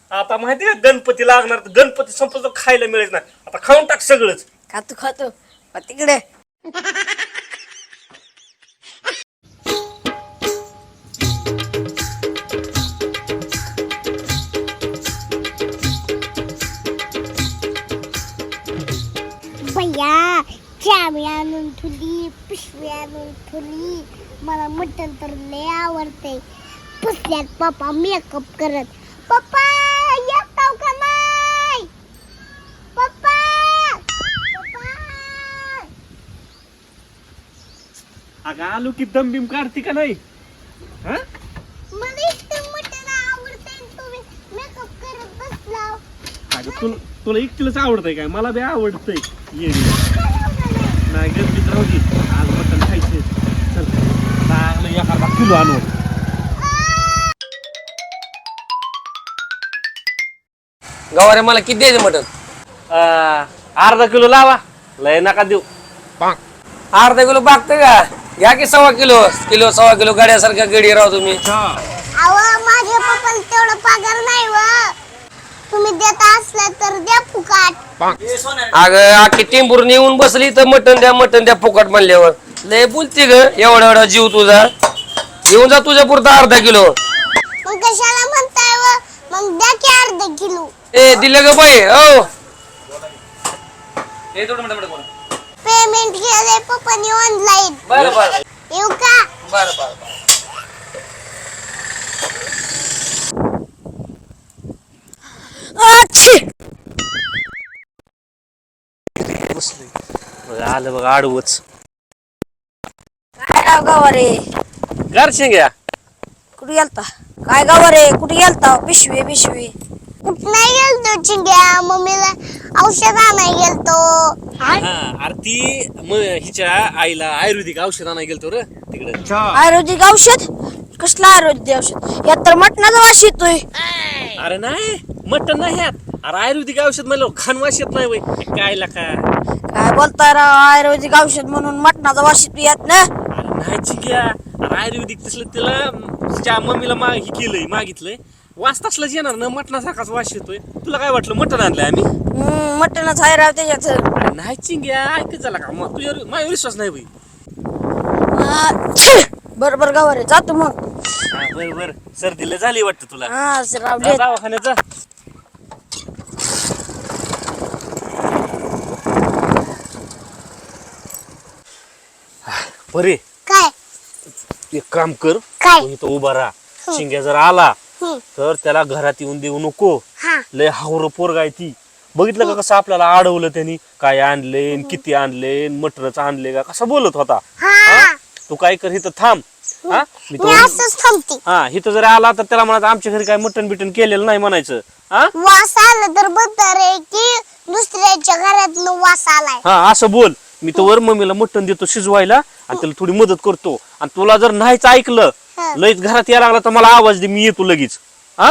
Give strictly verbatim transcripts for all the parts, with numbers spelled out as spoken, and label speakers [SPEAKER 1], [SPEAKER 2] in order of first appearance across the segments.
[SPEAKER 1] आता माहिती का गणपती लागणार तर गणपती संपतो खायला मिळेल ना आता खाऊन टाक सगळंच.
[SPEAKER 2] खातो खातो मग तिकडे
[SPEAKER 3] भैया चावी आणून ठुली पिशवी आणून ठुली मला मटण तर लय आवडते. पुसल्यात पप्पा मेकअप करत. पप्पा येताव का नाही? पप्पा पप्पा
[SPEAKER 1] अगं आलू की दम बिम काढती का नाही? हा
[SPEAKER 3] मला इतकं मटण आवडते तुम्ही मेकअप करत बसलाव.
[SPEAKER 1] अगं तुला तुला एकटीलाच आवडतंय काय? मला बी आवडतंय. ये नाही गणपतीत राहू दे आज मटण खायचं. चल चांगलं एखादा किलो आणू.
[SPEAKER 4] गवारे मला किती द्यायचं मटन?
[SPEAKER 1] अर्धा किलो लावा लय नका देऊ.
[SPEAKER 4] अर्धा किलो बागतं का? घ्या की सव्वा किलो किलो सव्वा किलो गाड्यासारख्या गडी राव तुम्ही.
[SPEAKER 3] अहो माझ्या पप्पाला तेवढं पगार नाही व. तुम्ही देत असला तर द्या फुकाट.
[SPEAKER 4] अगं आखी टिंबूर येऊन बसली तर मटन द्या मटन द्या फुकट म्हणल्यावर लय बोलते ग. एवढा एवढा जीव तुझा येऊन जा तुझ्या पुरता अर्धा किलो.
[SPEAKER 3] मग कशाला म्हणताय व? मग द्या की अर्धा किलो.
[SPEAKER 4] ए दिलं ग बाई हो.
[SPEAKER 3] पेमेंट केलंय पप्पानी ऑनलाईन.
[SPEAKER 4] बरं बरं
[SPEAKER 3] येऊ का?
[SPEAKER 4] बरं बरं
[SPEAKER 1] आलं बघ आडवच
[SPEAKER 2] काय राव गवारे
[SPEAKER 1] गारशे घ्या.
[SPEAKER 2] कुठे गेलता? काय गवारे कुठे गेलता? पिशवी पिशवी
[SPEAKER 3] कुठ नाही गेलतो चिंग्या. मम्मीला औषध आणाय गेलतो.
[SPEAKER 1] अरे ती मग हिच्या आईला आयुर्वेदिक औषध आणायला गेलतो रे तिकडे.
[SPEAKER 2] आयुर्वेदिक औषध? कसलं आयुर्वेदिक औषध? यात तर मटणाचा वास येतोय.
[SPEAKER 1] अरे नाही मटण नाही ह्यात. अरे आयुर्वेदिक औषध म्हणलं खान वास येत नाही वय काय का?
[SPEAKER 2] काय बोलताय राव? आयुर्वेदिक औषध म्हणून मटणाचा वास येतो यात ना?
[SPEAKER 1] अरे नाही चिक्या. अरे आयुर्वेदिक तसलं तिला तिच्या मम्मीला मा हे केलंय मागितलंय वास तसलाच येणार ना मटणासारखाच वास येतोय. तुला काय वाटलं मटण आणलंय आम्ही?
[SPEAKER 2] हम्म मटणच आहे राव त्याच्यात.
[SPEAKER 1] अरे नाही चिंग्या ऐकत झाला का मग तुझ्यावर माझ्यावर विश्वास नाही बाई.
[SPEAKER 2] बर बर गवारे जातो मग.
[SPEAKER 1] बर बर सर्दीला झाली वाटतं तुला.
[SPEAKER 2] हा राव
[SPEAKER 1] जा दवाखान्यात जा. बरे
[SPEAKER 3] काय
[SPEAKER 1] एक काम कर
[SPEAKER 3] काय?
[SPEAKER 1] तू इथं उभा राहा. शिंग्या जर आला
[SPEAKER 3] हम्म.
[SPEAKER 1] तर त्याला घरात येऊन देऊ नको.
[SPEAKER 3] हा
[SPEAKER 1] लय हावर पोरगा आहे ती. बघितलं का कसं आपल्याला अडवलं त्यांनी काय आणले किती आणले मटरच आणले का कसं बोलत होता.
[SPEAKER 3] हा
[SPEAKER 1] तू काय कर इथं थांब. हा मी
[SPEAKER 3] मी
[SPEAKER 1] तो
[SPEAKER 3] असंच थांबते.
[SPEAKER 1] हा इथं जर आला तर त्याला म्हणायचं आमच्या घरी काय मटण बिटन केलेलं नाही म्हणायचं. हा
[SPEAKER 3] वास आला तर बदर आहे की दुसऱ्याच्या घरात वास आलाय.
[SPEAKER 1] हा असं बोल. मी तर वर मम्मीला मटण देतो शिजवायला आणि त्याला थोडी मदत करतो. आणि तुला जर नाहीच ऐकलं
[SPEAKER 3] हं.
[SPEAKER 1] लयच घरात यायला लागला तर मला आवाज दे मी येतो लगेच. हा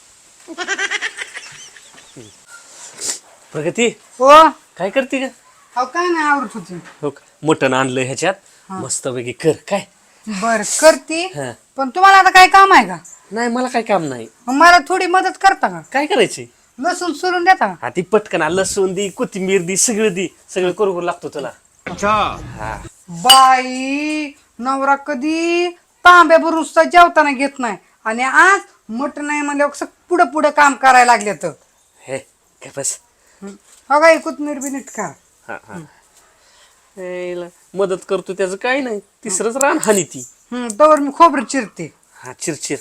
[SPEAKER 1] प्रगती
[SPEAKER 5] हो
[SPEAKER 1] काय करते का?
[SPEAKER 5] अहो काय नाही आवडत होती.
[SPEAKER 1] हो का? मटण आणलं ह्याच्यात मस्त पैकी कर काय.
[SPEAKER 5] बर करते
[SPEAKER 1] हा.
[SPEAKER 5] पण तुम्हाला आता काय काम आहे का?
[SPEAKER 1] नाही मला काय काम नाही.
[SPEAKER 5] मग मला थोडी मदत करता का?
[SPEAKER 1] काय करायचे?
[SPEAKER 5] लसूण सोलून देता का?
[SPEAKER 1] हा ती पटकन आ, लसूण दी कोथिंबीर दी सगळं दी सगळं करू करू लागतो तुला.
[SPEAKER 5] बाई नवरा कधी तांब्या भरून जेवताना घेत नाही आणि आज मटण नाही म्हणल्यावर पुढं पुढं काम करायला लागले तर
[SPEAKER 1] हे काय बस.
[SPEAKER 5] हो काय कोथमीर बी नीट का?
[SPEAKER 1] हा हा हेला मदत करतो त्याचं काय नाही. तिसरंच रान हानी ती.
[SPEAKER 5] हम्म तवर मी खोबरं चिरते.
[SPEAKER 1] हा चिरचिर.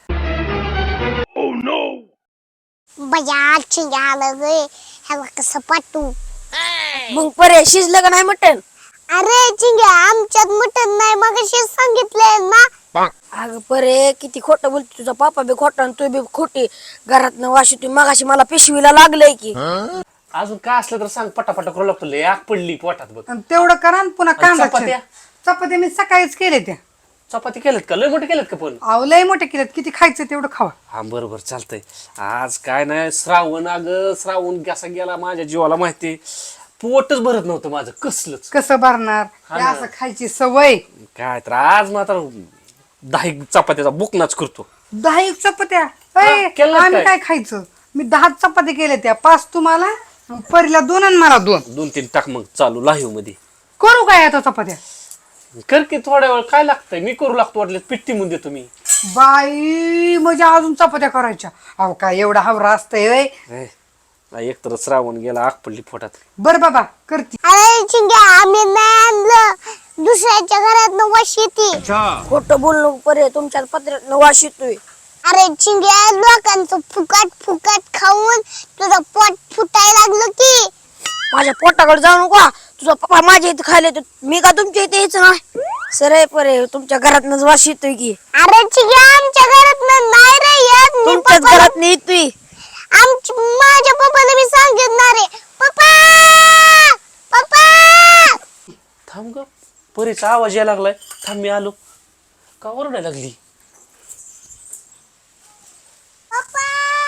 [SPEAKER 3] बया चिंग्या आलं गे. ह्याला कसं पाठवू?
[SPEAKER 2] मग परे शिजलं का नाही मटण?
[SPEAKER 3] अरे चिंग्या आमच्यात मटण नाही मग सांगितलंय ना.
[SPEAKER 2] अगं परे किती खोटं बोलते तुझा पापा बी खोटा आणि तू बी खोटी. घरात न वाशी तू मगाशी मला पिशवीला लागलंय की.
[SPEAKER 1] अजून काय असलं तर सांग पटापटा करू लागतो. लय आग पडली पोटात बघ.
[SPEAKER 5] आणि तेवढं करा आणि पुन्हा
[SPEAKER 1] आणि
[SPEAKER 5] कांदा
[SPEAKER 1] चपात्या?
[SPEAKER 5] चिर. चपात्या मी सकाळीच केले त्या.
[SPEAKER 1] चपाती केल्यात का? लय मोठे केल्यात का पण?
[SPEAKER 5] अहो लय मोठे केलेत किती खायचं तेवढं खावा.
[SPEAKER 1] हा बरोबर चालतंय. आज काय नाही श्रावण अगं श्रावण कसा गेला माझ्या जीवाला माहिती. पोटच भरत नव्हतं माझं कसलंच.
[SPEAKER 5] कसं भरणार
[SPEAKER 1] हा
[SPEAKER 5] हे
[SPEAKER 1] ना.
[SPEAKER 5] असं खायची सवय.
[SPEAKER 1] काय तर आज मात्र दहा एक चपात्याचा बुकनाच करतो.
[SPEAKER 5] दहा एक चपात्या
[SPEAKER 1] हा,
[SPEAKER 5] अय,
[SPEAKER 1] केलं
[SPEAKER 5] आम्ही
[SPEAKER 1] काय?
[SPEAKER 5] काय खायचं मी दहा चपाती केल्या त्या, पाच तुम्हाला परीला दोन आणि मला दोन.
[SPEAKER 1] दोन तीन टाक मग चालू लाईव्ह मध्ये.
[SPEAKER 5] करू काय आता चपात्या?
[SPEAKER 1] कर की थोड्या वेळ, काय लागतंय मी करू लागतो वाटलं पिट्टी म्हणून देतो मी.
[SPEAKER 5] बाई म्हणजे अजून चपात्या करायच्या? अहो काय एवढा हवरा असतंय व्हय?
[SPEAKER 1] एक तर श्रावण गेला, आग पडली पोटात.
[SPEAKER 5] बर बाबा करती.
[SPEAKER 3] अरे चिंग्या आम्ही नाही आणलं, दुसऱ्याच्या घरात वास येते.
[SPEAKER 2] खोटं बोललो परे, तुमच्या पत्र्यात वास येतोय.
[SPEAKER 3] अरे चिंग्या लोकांचं फुकट फुकट खाऊन तुझं पोट फुटायला लागलं की.
[SPEAKER 2] माझ्या पोटाकडे जाऊ नका. तुझा पप्पा माझ्या इथे खायला येतो, मी का तुमच्या इथे यायचं नाही? सर परे तुमच्या घरात वास येतोय की.
[SPEAKER 3] अरे चिंग्या आमच्या घरात नाही रे येत. मी
[SPEAKER 2] तुमच्याच
[SPEAKER 3] पप्पाला-
[SPEAKER 2] घरात नाही येतोय.
[SPEAKER 3] आमची माझ्या पप्पाला मी सांगितणार आहे. पप्पा पप्पा
[SPEAKER 1] थांब ग, परीचा आवाज यायला लागलाय. थांब मी आलो. का ओरडायला लागली?
[SPEAKER 3] पप्पा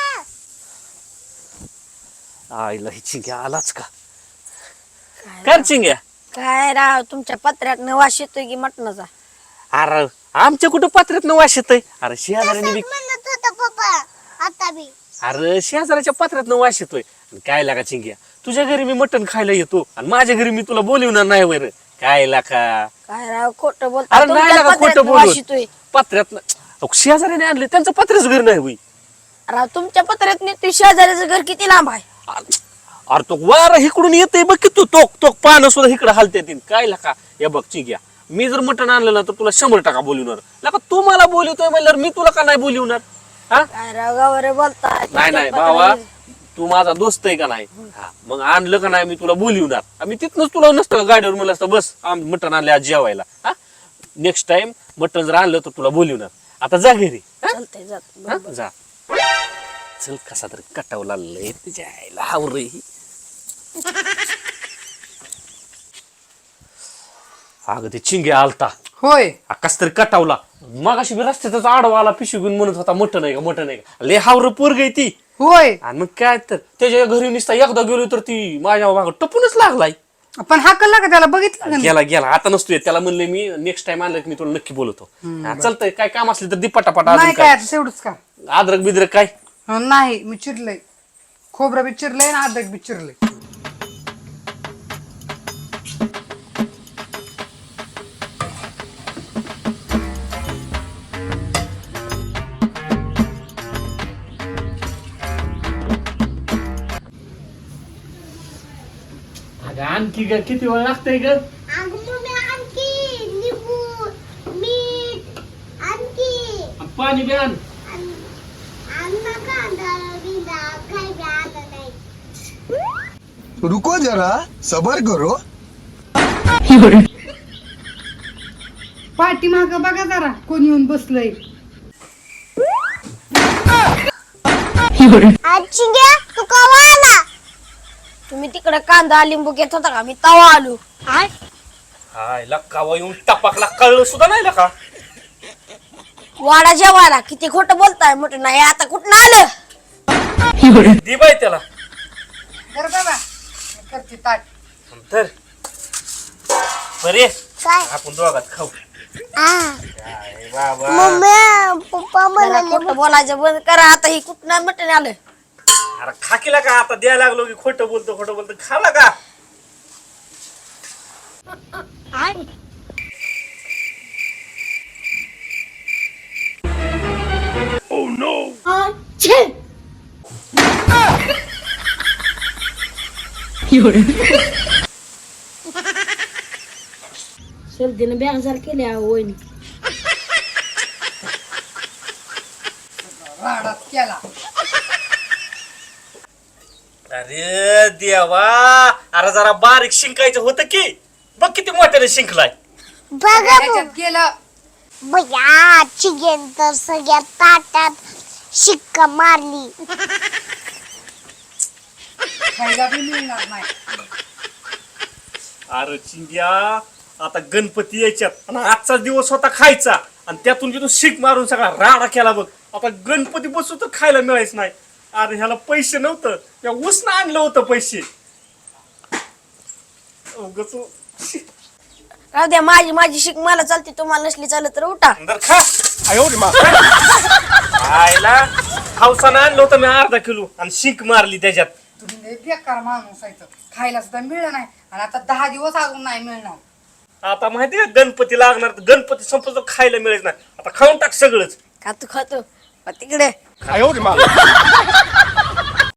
[SPEAKER 1] आईला ही चिंग्या आलाच का? कर चिंग्या.
[SPEAKER 2] काय राव तुमच्या पत्र्यात वास येतोय की मटणाचा?
[SPEAKER 1] अरे आमच्या कुठं पात्र्यात न वास येतंय? अरे शेजाऱ्याने बी,
[SPEAKER 3] म्हणत होता पप्पा आता बी.
[SPEAKER 1] अरे शेजाऱ्याच्या पात्र्यात न वास येतोय. काय लागा चिंग्या, तुझ्या घरी मी मटण खायला येतो आणि माझ्या घरी मी तुला बोलवणार नाही वर. काय लागा?
[SPEAKER 2] काय राव खोटं बोलता?
[SPEAKER 1] अरे नाही
[SPEAKER 2] तुमच्या
[SPEAKER 1] लागा
[SPEAKER 2] पत्र्यात
[SPEAKER 1] खोटं
[SPEAKER 2] वास
[SPEAKER 1] बोलू.
[SPEAKER 2] येतोय.
[SPEAKER 1] पात्र्यात शेजाऱ्याने आणले, त्यांचं पत्र्याच घर नाही होई.
[SPEAKER 2] राव तुमच्या पत्र्यात नाही, तुझ्या शेजाऱ्याचं घर किती लांब आहे?
[SPEAKER 1] अरे तो वारा इकडून येतोय बघ की, तू तोक तोक पानं सुद्धा इकडे हालते. काय लागा हे बघ चिंग्या, मी जर मटण आणलं ना तर तुला शंभर टक्का बोलवणार. लागा तू मला बोलवतोय म्हणल्यावर मी तुला का नाही बोलवणार? हा
[SPEAKER 2] काय राव गावारे बोलता?
[SPEAKER 1] नाही नाही बाबा, तू माझा दोस्त आहे का नाही? हा, मग आणलं का नाही मी तुला बोलवणार. आम्ही तिथनच तुला नसतं का गाडीवर म्हणलं असतं बस आम मटण आणले आज जेवायला. हा नेक्स्ट टाइम मटण जर आणलं तर तुला बोलवणार. आता जा घरी. हा?
[SPEAKER 2] चालतंय जात.
[SPEAKER 1] हा? जा चल. कसा तरी कटावला लय तुझ्या आईला हावरे. अगं ते चिंग्या आलता,
[SPEAKER 5] होय
[SPEAKER 1] कस तरी कटावला. मग अशी रस्त्याचाच आडवा आला, पिशवी घेऊन म्हणत होता मटण आहे का मटण आहे का. लय हावर पोरग आहे ती.
[SPEAKER 5] होय
[SPEAKER 1] आणि मग काय तर त्याच्या घरी निसता एकदा गेलो तर ती माझ्या मागं टपूनच लागलाय.
[SPEAKER 5] पण हाकलला का त्याला? बघितलं का?
[SPEAKER 1] गेला गेला आता नसतोय. त्याला म्हणले मी नेक्स्ट टाइम आणलं की मी तुला नक्की बोलवतो. हा, चालतंय. काय काम असले तर दि पटापटा.
[SPEAKER 5] नाही
[SPEAKER 1] अजून
[SPEAKER 5] काय
[SPEAKER 1] काय
[SPEAKER 5] आता तेवढंच का?
[SPEAKER 1] अद्रक बिद्रक काय?
[SPEAKER 5] हं, नाही मी चिरलंय. खोबरं बी चिरलंय ना अद्रक बी चिरलंय.
[SPEAKER 1] अगं आणखी ग किती वेळ लागतंय ग?
[SPEAKER 3] अगं मम्मी आणखी लिंबू मीठ आणखी
[SPEAKER 1] पाणी बी आण.
[SPEAKER 3] अन्न कांदा बिंदा काही बी आणलं नाही.
[SPEAKER 6] रुको जरा सबर करो.
[SPEAKER 5] पाठी माग बघा जरा कोण येऊन बसलंय.
[SPEAKER 3] आजी घ्या तू कवा आला?
[SPEAKER 2] तुम्ही तिकडे कांदा लिंबू घेत होता का? मी तवा आलो.
[SPEAKER 1] हाय लक्कावा येऊन टपाकला, कळलं सुद्धा नाही का?
[SPEAKER 2] वाडा जेवायला किती खोटं बोलताय? म्हटलं नाही आता कुठं आलं?
[SPEAKER 1] दे बाई त्याला.
[SPEAKER 5] बरं बाबा करते ताट.
[SPEAKER 1] तर बरे
[SPEAKER 3] काय?
[SPEAKER 1] आपण दोघात खाऊ.
[SPEAKER 3] आ
[SPEAKER 1] काय बाबा,
[SPEAKER 3] मम्मी पप्पा
[SPEAKER 2] जरा
[SPEAKER 3] म्हणाले
[SPEAKER 2] खोटं बोलायचं बंद करा आता. ही कुठं नाही मटण आलं.
[SPEAKER 1] अरे खा केला का? आता द्यायला लागलो की खोटं बोलतो खोटं बोलतो. खाला का?
[SPEAKER 2] सर्दीनं बेजार केले वहिनी.
[SPEAKER 5] राडात केला.
[SPEAKER 1] अरे देवा, अरे जरा बारीक शिंकायचं होतं की. बघ किती मोठ्याने शिंकलाय.
[SPEAKER 3] बघा
[SPEAKER 5] त्याच्यात गेलं.
[SPEAKER 3] बया चिगेन तर सगळ्या ताटात शिक्का मारली.
[SPEAKER 5] खायला बी मिळणार नाही.
[SPEAKER 1] अरे चिंग्या, आता गणपती यायच्यात आणि आजचा दिवस होता खायचा आणि त्यातून तू शिक मारून सगळा राडा केला बघ. आता गणपती बसू तर खायला मिळायच नाही. अरे ह्याला पैसे नव्हतं, त्या उसनं आणलं होतं पैसे. उगाच
[SPEAKER 2] राहू द्या, माझी माझी शिक मला चालते, तुम्हाला नसली चालत तर उठा.
[SPEAKER 1] अंदर खा. आयो रे मा. खायला हावसानं आणलं होतं मी अर्धा किलो आणि शिंक मारली त्याच्यात.
[SPEAKER 5] तुम्ही लय बेकार माणूस आहे तर. खायला सुद्धा मिळलं नाही आणि आता दहा दिवस अजून नाही मिळणार.
[SPEAKER 1] आता माहिती का गणपती लागणार तर गणपती संपतो खायला मिळत नाही. आता खाऊन टाक सगळंच.
[SPEAKER 2] खातो खातो पण तिकडे
[SPEAKER 6] I owed him out.